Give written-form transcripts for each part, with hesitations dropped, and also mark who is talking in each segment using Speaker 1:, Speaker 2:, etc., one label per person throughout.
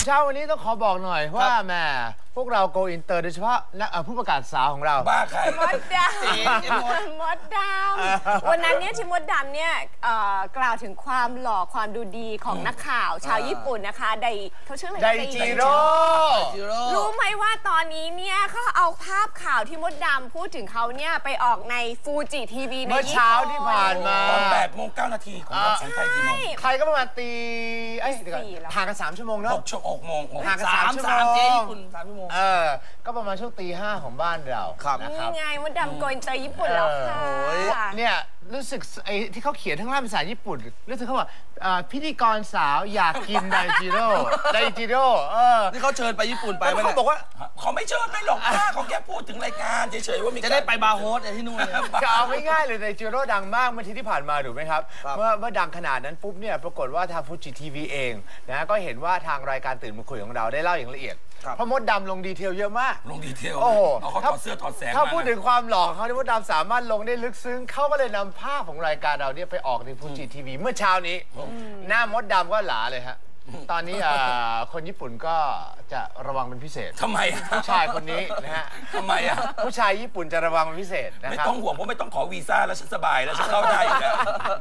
Speaker 1: เช้าวันนี้ต้องขอบอกหน่อยว่าแหมพวกเราโกอินเตอร์โดยเฉพาะผู้ประกาศสาวของเรา
Speaker 2: บ้าใคร
Speaker 3: มดดำมดดำวันนั้นเนี่ยที่มดดำเนี่ยกล่าวถึงความหล่อความดูดีของนักข่าวชาวญี่ปุ่นนะคะเขาชื่ออะไร
Speaker 1: ไดจิโร่
Speaker 3: รู้ไหมว่าตอนนี้เนี่ยเขาเอาภาพข่าวที่มดดำพูดถึงเขาเนี่ยไปออกในฟูจิทีวีในญี่ปุ่น
Speaker 1: เมื่อเช้าที่ผ่านมา
Speaker 2: ตอน8:09 น.ของวันสังไทยกี่โมง
Speaker 1: ใครก็ประมาณตีห่างกัน3 ชั่วโมงเนาะ
Speaker 2: 6 โมง
Speaker 1: ห่างกัน3 ชั่วโมง
Speaker 4: เจ๊ญี่ปุ่น3 ชั่วโมง
Speaker 1: ก็ประมาณช่วงตี 5ของบ้านเรา
Speaker 3: นี่ไงมดดำโกอินเตอร์ญี่ปุ่นแล้วค่ะ
Speaker 1: เนี่ยรู้สึกไอ้ที่เขาเขียนทั้งล่างภาษาญี่ปุ่นรู้สึกเขาบอกพิธีกรสาวอยากกินไดจิโร่
Speaker 4: นี่เขาเชิญไปญี่ปุ่นไปไหม
Speaker 1: เขาบอกว่า
Speaker 2: เขาไม่เชิญไม่หรอกเขาแค่พูดถึงรายการเฉยๆว่ามี
Speaker 4: จะได้ไปบาร์โฮสที่นู่น
Speaker 1: จะเอาไม่ง่ายเลยไดจิโร่ดังมากเมื่อที่ผ่านมาถูกไหมครับเมื่อดังขนาดนั้นปุ๊บเนี่ยปรากฏว่าทางฟูจิทีวีเองนะก็เห็นว่าทางรายการตื่นมาคุยของเราได้เล่าอย่างละเอียดเพราะมดดำลงดีเทลเยอะมาก
Speaker 2: ลงดีเทล
Speaker 1: โอ้โห
Speaker 2: เขาถอดเสื้อถอดแสง
Speaker 1: ถ้าพูดถึงความหล่อเขาที่มดดำสามารถลงได้ลึกซึ้งเขาก็เลยนำภาพของรายการเราเนี่ยไปออกในฟูจิทีวีเมื่อเช้านี้หน้ามดดำก็หลาเลยฮะตอนนี้คนญี่ปุ่นก็จะระวังเป็นพิเศษ
Speaker 2: ทำไม
Speaker 1: ผู้ชายคนนี้นะฮะ
Speaker 2: ทำไม
Speaker 1: ผู้ชายญี่ปุ่นจะระวังเป็นพิเศษนะครับ
Speaker 2: ไม่ต้องห่วงเพราะไม่ต้องขอวีซ่าแล้วฉันสบายแล้วฉันเข้าได้อยู่แล้ว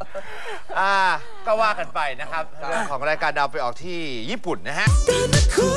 Speaker 1: ก็ว่ากันไปนะครับเรื่องของรายการดาวไปออกที่ญี่ปุ่นนะฮะ